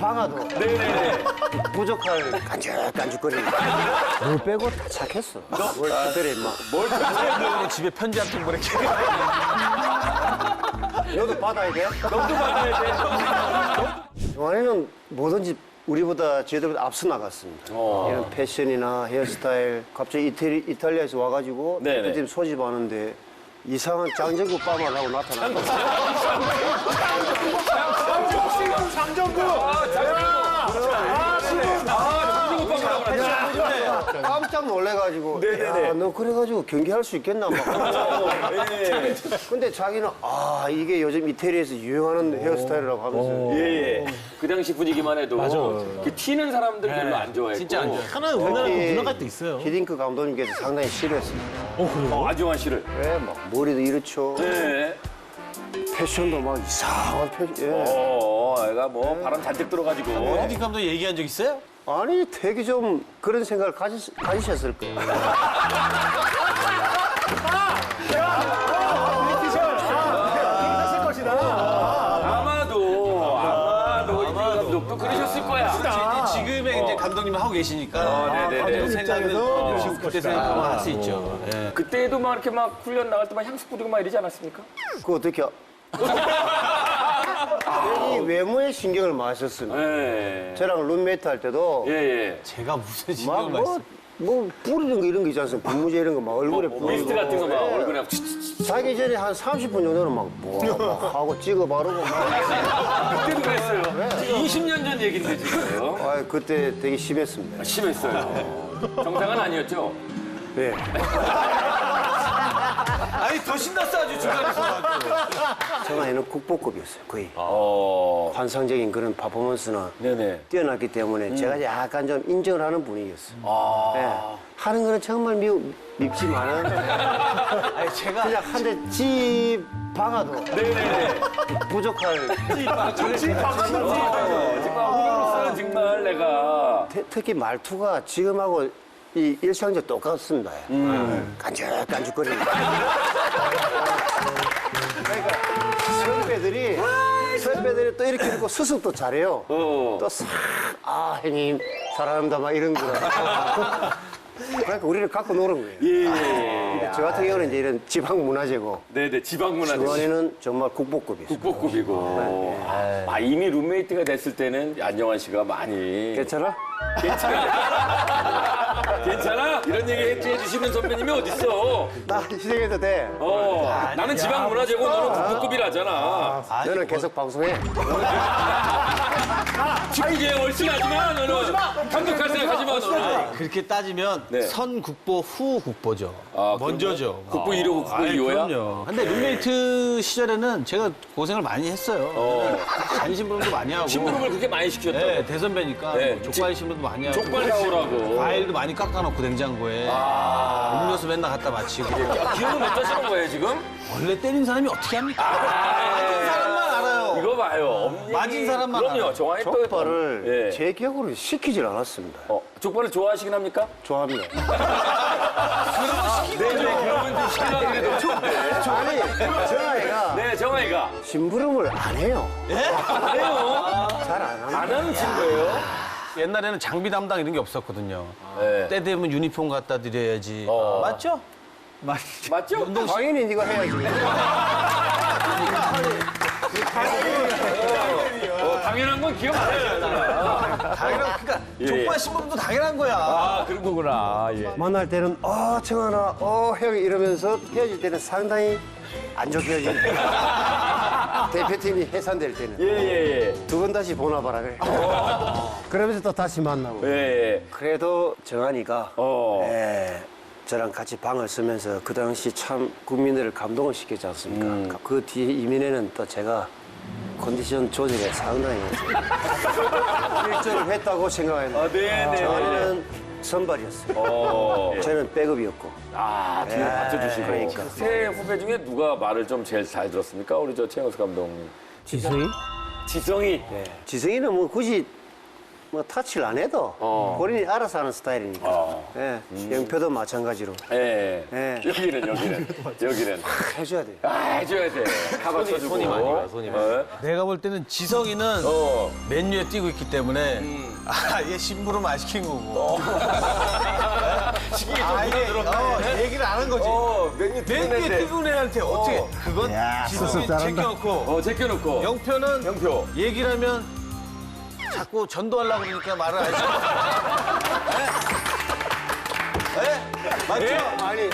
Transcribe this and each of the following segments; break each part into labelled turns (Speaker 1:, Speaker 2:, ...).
Speaker 1: 박아도
Speaker 2: 네네네.
Speaker 1: 부족할 깐죽깐죽거리는 뭘 빼고 다 착했어. 뭘 특별히 막
Speaker 2: 뭘 찾아야
Speaker 3: 집에 편지 한 통 보낼게.
Speaker 1: 너도 받아야 돼?
Speaker 2: 너도 받아야
Speaker 1: 영환이는 뭐든지 우리보다 저희들보다 앞서 나갔습니다. 이런 패션이나 헤어스타일 갑자기 이탈리아에서 와가지고
Speaker 2: 네네.
Speaker 1: 대표팀 소집하는데 이상한 장정구 빠마를 하고 나타났어요. 깜짝 놀래가지고
Speaker 2: 네네네.
Speaker 1: 야, 너 그래가지고 경기할 수 있겠나 막.
Speaker 2: 네.
Speaker 1: 근데 자기는 이게 요즘 이태리에서 유행하는 헤어스타일이라고 하면서
Speaker 2: 예. 그 당시 분위기만 해도 그 튀는 사람들 별로 안 좋아했고.
Speaker 3: 진짜 안 좋아요.
Speaker 4: 하나는 우리나라
Speaker 1: 특히
Speaker 4: 문화가 또 있어요.
Speaker 1: 히딩크 감독님께서 상당히 싫어했습니다.
Speaker 2: 안정환 씨를.
Speaker 1: 왜? 막 머리도 이렇죠.
Speaker 2: 네.
Speaker 1: 패션도 막 이상한 패션. 예.
Speaker 2: 애가 뭐 바람 잔뜩 들어가지고.
Speaker 3: 헤딩 감독 얘기한 적 있어요?
Speaker 1: 아니 되게 좀 그런 생각을 가지셨을 거예요.
Speaker 2: 아마도 이태 감독도 그러셨을 거야.
Speaker 3: 지금의 이제 감독님 하고 계시니까.
Speaker 2: 네네네.
Speaker 3: 생각은 지금 그때 생각하면 할 수 있죠. 예.
Speaker 2: 그때도 막 이렇게 막 훈련 나갈 때 막 향수 뿌리고 막 이러지 않았습니까?
Speaker 1: 그거 어떻게 이 외모에 신경을 많이 썼습니다.
Speaker 2: 네.
Speaker 1: 저랑 룸메이트 할 때도
Speaker 2: 예.
Speaker 3: 제가 무슨
Speaker 1: 막
Speaker 3: 신경을 많이 써.
Speaker 1: 뭐 뿌리는 거 이런 거 있지 않습니까? 분무제 이런 거 막 얼굴에 뿌리고
Speaker 2: 미스트 같은 거 막 얼굴에 막
Speaker 1: 자기 전에 한 30분 정도는 막 하고 찍어 바르고 막.
Speaker 2: 그때도 그랬어요. 20년 전 얘기인데 지금.
Speaker 1: 그때 되게 심했습니다.
Speaker 2: 심했어요. 정상은 아니었죠?
Speaker 1: 네.
Speaker 3: 아니 더 신났어 아주 중간에서.
Speaker 1: 저 나이는 국보급이었어요. 거의 환상적인 그런 퍼포먼스나
Speaker 2: 네네.
Speaker 1: 뛰어났기 때문에 제가 약간 좀 인정을 하는 분위기였어요. 네. 하는 거는 정말 밉지만은
Speaker 3: 아니 제가
Speaker 1: 그냥 한 대 집 박아도
Speaker 2: 네네네.
Speaker 1: 부족할
Speaker 2: 후배로서는 정말 내가.
Speaker 1: 특히 말투가 지금하고 이 일상적 똑같습니다. 깐죽깐죽거리는. 그러니까 선배들이 또 이렇게 읽고 수습도 잘해요. 또 싹 형님 사랑합니다 막 이런 거. 그러니까 우리를 갖고 노는 거예요. 근데 저 같은 경우는 이제 이런 지방 문화재고
Speaker 2: 네네. 지방 문화.
Speaker 1: 지원이는 정말 국보급이었어요.
Speaker 2: 국보급이고. 이미 룸메이트가 됐을 때는 안정환 씨가 많이.
Speaker 1: 괜찮아?
Speaker 2: 괜찮아? 이런 얘기 해주시는 선배님이 어딨어?
Speaker 1: 나 희생해도 돼.
Speaker 2: 나는 지방 문화재고 너는 국보급이라잖아.
Speaker 1: 너는 계속 방송해.
Speaker 2: 축구계에 얼씬하지만 너는 감독할 생각하지 마 너는.
Speaker 3: 그렇게 따지면
Speaker 2: 네.
Speaker 3: 선국보 후국보죠. 먼저죠.
Speaker 2: 국보 1호고 국보
Speaker 3: 아이,
Speaker 2: 2호야?
Speaker 3: 그럼요. 근데 룸메이트 시절에는 제가 고생을 많이 했어요. 잔심부름도 많이 하고.
Speaker 2: 심부름을 그렇게 많이 시켰다고.
Speaker 3: 네, 대선배니까
Speaker 2: 네.
Speaker 3: 뭐 족발 심부름도 많이 하고.
Speaker 2: 족발 사오라고.
Speaker 3: 과일도 많이 깎아놓고 냉장고에. 음료수 맨날 갖다 마치고.
Speaker 2: 기억을 못 하시는 거예요 지금?
Speaker 3: 원래 때린 사람이 어떻게 합니까? 맞은 사람만 알아요.
Speaker 2: 이거 봐요. 엄연히.
Speaker 3: 맞은 사람만
Speaker 2: 그럼요.
Speaker 3: 알아요.
Speaker 2: 정환이 또.
Speaker 1: 족발을
Speaker 2: 예.
Speaker 1: 제 기억으로 시키질 않았습니다.
Speaker 2: 족발을 좋아하시긴 합니까?
Speaker 1: 좋아합니다.
Speaker 2: 네, 그러면 좀 시키려고 그래도 좋은데.
Speaker 1: 아니, 저 아이가
Speaker 2: 네, 정환이가.
Speaker 1: 심부름을 안 해요.
Speaker 2: 안 해요.
Speaker 1: 잘 안 합니다.
Speaker 2: 안 하는 친구예요?
Speaker 3: 옛날에는 장비 담당 이런 게 없었거든요.
Speaker 2: 네.
Speaker 3: 때 되면 유니폼 갖다 드려야지. 맞죠?
Speaker 2: 맞죠?
Speaker 1: 당연히 네가 해야지.
Speaker 2: 당연한 건 기억 안 하잖아.
Speaker 3: 당연한, 그러니까 족발 심부름도 당연한 거야.
Speaker 2: 아, 그런 거구나. 예.
Speaker 1: 만날 때는 청하나 형이 이러면서 헤어질 때는 상당히 안 좋게 헤어집니다. 대표팀이 해산될 때는
Speaker 2: 예.
Speaker 1: 두 번 다시 보나 봐라 그래. 그러면서 또 다시 만나고.
Speaker 2: 예.
Speaker 1: 그래도 정한이가 저랑 같이 방을 쓰면서 그 당시 참 국민들을 감동을 시켰지 않습니까? 그 뒤에 이민에는 또 제가 컨디션 조절에 상당히 일조를 했다고 생각합니다.
Speaker 2: 네네.
Speaker 1: 정한이는 선발이었어요. 저는 백업이었고.
Speaker 2: 뒤에 받쳐주시고.
Speaker 1: 그러니까.
Speaker 2: 세 후배 중에 누가 말을 좀 제일 잘 들었습니까? 우리 저 최영수 감독님.
Speaker 1: 지성이?
Speaker 2: 지성이.
Speaker 1: 지성이는 뭐 굳이 뭐 터치를 안 해도 본인이 알아서 하는 스타일이니까. 예. 영표도 마찬가지로.
Speaker 2: 예.
Speaker 1: 예.
Speaker 2: 여기는.
Speaker 1: 해줘야 돼.
Speaker 2: 해줘야 돼. 카바 쳐주고.
Speaker 4: 손이 많이 가요, 손이 많이 가요.
Speaker 3: 내가 볼 때는 지성이는 맨유에 뛰고 있기 때문에 얘 심부름 안 시킨 거고.
Speaker 2: 시기에 좀
Speaker 3: 얘기를 안 한 거지. 맨유에 뛰는 애한테 어떻게 그건 지성이 제껴놓고
Speaker 2: 제껴놓고.
Speaker 3: 영표는
Speaker 2: 영표.
Speaker 3: 얘기를 하면 자꾸 전도하려고 그러니까 말을 안 해. 맞죠?
Speaker 1: 아니,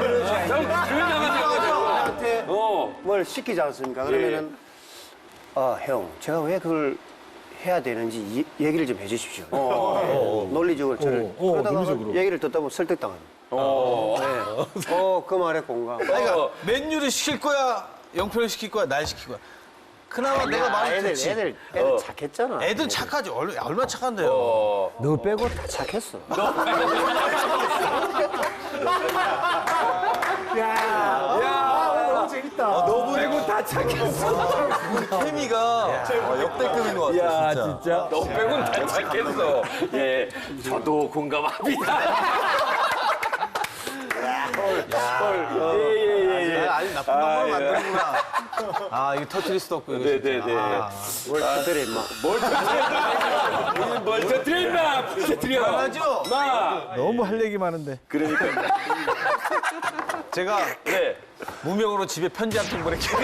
Speaker 1: 저한테 뭘 시키지 않습니까? 그러면은, 형, 제가 왜 그걸 해야 되는지 얘기를 좀 해주십시오. 논리적으로 저를. 그러다가 얘기를 듣다 보면 설득당합니다. 그 말에 공감.
Speaker 3: 그러니까 맨유를 시킬 거야, 영표를 시킬 거야, 날 시킬 거야. 그나마 내가 말을 듣지.
Speaker 1: 애들 착했잖아.
Speaker 3: 애들 착하지. 얼마나 착한데요.
Speaker 1: 너 빼고 다 착했어. 너무 재밌다.
Speaker 2: 너 빼고 다 착했어.
Speaker 4: 케미가 역대급인 것 같아요,
Speaker 2: 야,
Speaker 4: 진짜.
Speaker 2: 진짜. 너 빼고는 다 착했어. 예. 저도 공감합니다. 예.
Speaker 3: 아니 나쁜 방법을 만드는구나. 아 이게 터트릴 수도 없고 이거 진짜.
Speaker 2: 네네네.
Speaker 1: 뭘 터뜨려, 임마.
Speaker 2: 뭘 터뜨려, 임마! 터뜨려.
Speaker 3: 맞죠?
Speaker 2: 마!
Speaker 3: 너무 할 얘기 많은데.
Speaker 2: 그러니까.
Speaker 3: 제가
Speaker 2: 네.
Speaker 3: 무명으로 집에 편지 한 통 보낼게요.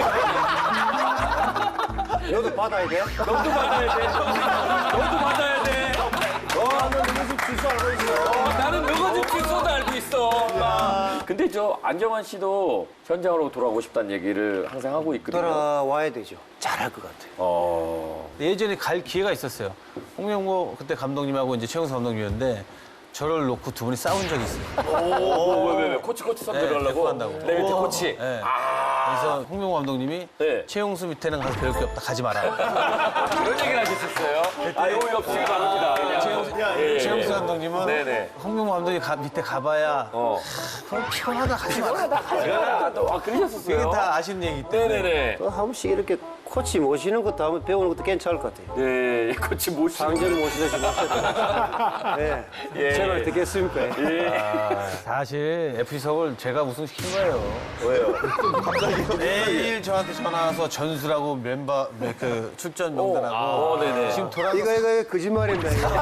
Speaker 1: 너도 받아야 돼?
Speaker 2: 너도 받아야 돼. 너도 받아야 돼.
Speaker 1: 너는 누구 집 주소 알고 있어.
Speaker 2: 나는 너가 집 주소도 알고 있어. 근데 저 안정환 씨도 현장으로 돌아오고 싶다는 얘기를 항상 하고 있거든요.
Speaker 1: 돌아와야 되죠. 잘할 것 같아요.
Speaker 3: 예전에 갈 기회가 있었어요. 홍명보 그때 감독님하고 이제 최영수 감독님이었는데 저를 놓고 두 분이 싸운 적이 있어요.
Speaker 2: 왜? 코치 선배를
Speaker 3: 네,
Speaker 2: 하려고?
Speaker 3: 데리고 간다고.
Speaker 2: 내 밑에 코치.
Speaker 3: 네. 그래서 홍명보 감독님이
Speaker 2: 네.
Speaker 3: 최용수 밑에는 가서 배울 게 없다. 가지 마라.
Speaker 2: 그런 얘기를 하셨었어요? 이거 없이 바랍니다.
Speaker 3: 최용수 감독님은
Speaker 2: 네네.
Speaker 3: 홍명보 감독님 밑에 가봐야 그럼 피곤하다. 가지 마라.
Speaker 2: 그러셨었어요?
Speaker 3: 그게 다 아시는 얘기 때문에.
Speaker 2: 네네네.
Speaker 1: 또 한 번씩 이렇게 코치 모시는 것도 한번 배우는 것도 괜찮을 것 같아요.
Speaker 2: 네, 코치 모시고.
Speaker 1: 상전 모시듯이 모셔도. 네.
Speaker 2: 예.
Speaker 1: 제가 어떻게 했습니까?
Speaker 3: 사실 FC석을 제가 우승시킨 거예요.
Speaker 2: 왜요?
Speaker 3: 매일 저한테 전화 와서 전수라고 멤버 그 출전 명단하고
Speaker 2: 네네.
Speaker 3: 지금 돌아
Speaker 1: 이거 거짓말인데, 이거.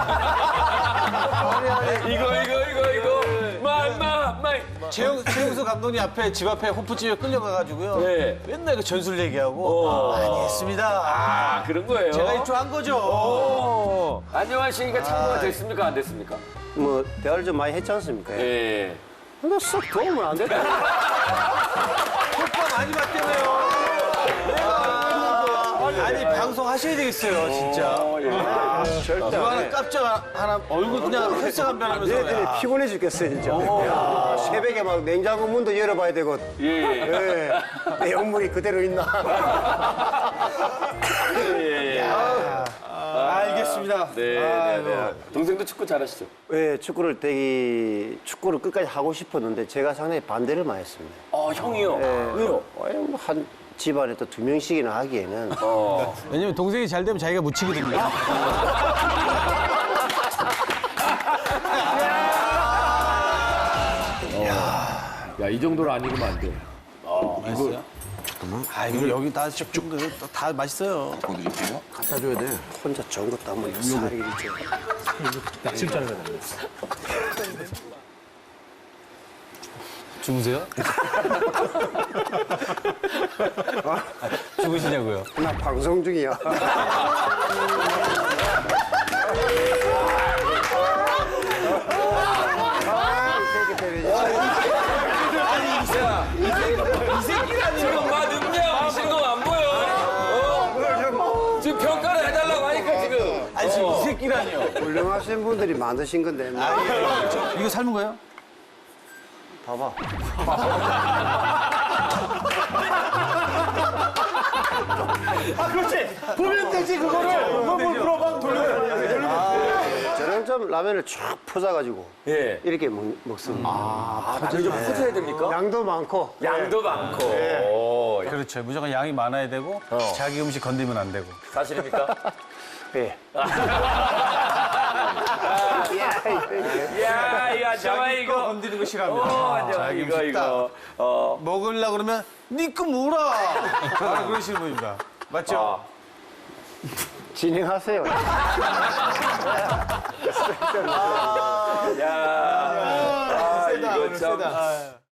Speaker 2: 이거.
Speaker 3: 최용수 감독님 앞에 집 앞에 호프집에 끌려가가지고요.
Speaker 2: 네.
Speaker 3: 맨날 그 전술 얘기하고 많이 했습니다.
Speaker 2: 그런 거예요?
Speaker 3: 제가 일조한 거죠.
Speaker 2: 안녕한 씨가 참고가 됐습니까? 안 됐습니까?
Speaker 1: 뭐, 대화를 좀 많이 했지 않습니까?
Speaker 2: 예.
Speaker 1: 근데 썩 도움은 안 됐다.
Speaker 3: 효과 많이 받대네요. 아니 방송 하셔야 되겠어요, 진짜.
Speaker 1: 절대
Speaker 3: 누가
Speaker 1: 안
Speaker 3: 하나
Speaker 1: 해.
Speaker 3: 깜짝 하나 얼굴 그냥 혈색 한 변하면서.
Speaker 1: 얘들이 피곤해 죽겠어요, 진짜. 야, 새벽에 막 냉장고 문도 열어봐야 되고. 예. 내용물이 그대로 있나.
Speaker 3: 알겠습니다.
Speaker 2: 네. 동생도 축구 잘하시죠?
Speaker 1: 예, 축구를 끝까지 하고 싶었는데 제가 상당히 반대를 많이 했습니다.
Speaker 2: 형이요?
Speaker 1: 예.
Speaker 2: 왜요?
Speaker 1: 한 집안에 또 2명씩이나 하기에는.
Speaker 3: 왜냐면 동생이 잘 되면 자기가 묻히거든요.
Speaker 2: 야, 이 정도로 안 익으면 안 돼.
Speaker 3: 맛있어요? 이거 여기 다 쭉쭉 다 맛있어요.
Speaker 1: 갖다 줘야 돼. 혼자 좋은 것도 한번 살이 이렇게.
Speaker 3: 주무세요? 죽으시냐고요?
Speaker 1: 나 방송 중이야.
Speaker 2: 지금 막 능력 하시는 거 안 보여? 지금 평가를 해달라고 하니까 지금.
Speaker 3: 아니 지금 이 새끼라니요.
Speaker 1: 훌륭하신 분들이 만드신 건데.
Speaker 3: 이거 삶은 거예요?
Speaker 1: 봐봐.
Speaker 3: 그렇지. 보면 되지 그거를. 뭘 물어봐 돌려.
Speaker 1: 저는 좀 라면을 쫙 퍼져가지고
Speaker 2: 예.
Speaker 1: 이렇게 먹습니다.
Speaker 2: 나는 좀 퍼져야 됩니까?
Speaker 1: 양도 많고.
Speaker 2: 양도 많고.
Speaker 3: 그렇죠. 무조건 양이 많아야 되고 자기 음식 건드리면 안 되고.
Speaker 2: 사실입니까?
Speaker 1: 예.
Speaker 2: 안정환
Speaker 3: 자기 거
Speaker 2: 이거.
Speaker 3: 건드리는 거 싫어합니다.
Speaker 2: 안정환
Speaker 3: 자기
Speaker 2: 이거
Speaker 3: 싶다.
Speaker 2: 이거.
Speaker 3: 먹으려고 그러면 니꺼 물어. 바로 그러시는 분입니다. 맞죠?
Speaker 1: 진행하세요.
Speaker 2: 야.
Speaker 3: 세다,
Speaker 2: 이거
Speaker 3: 오늘
Speaker 2: 참.
Speaker 3: 세다.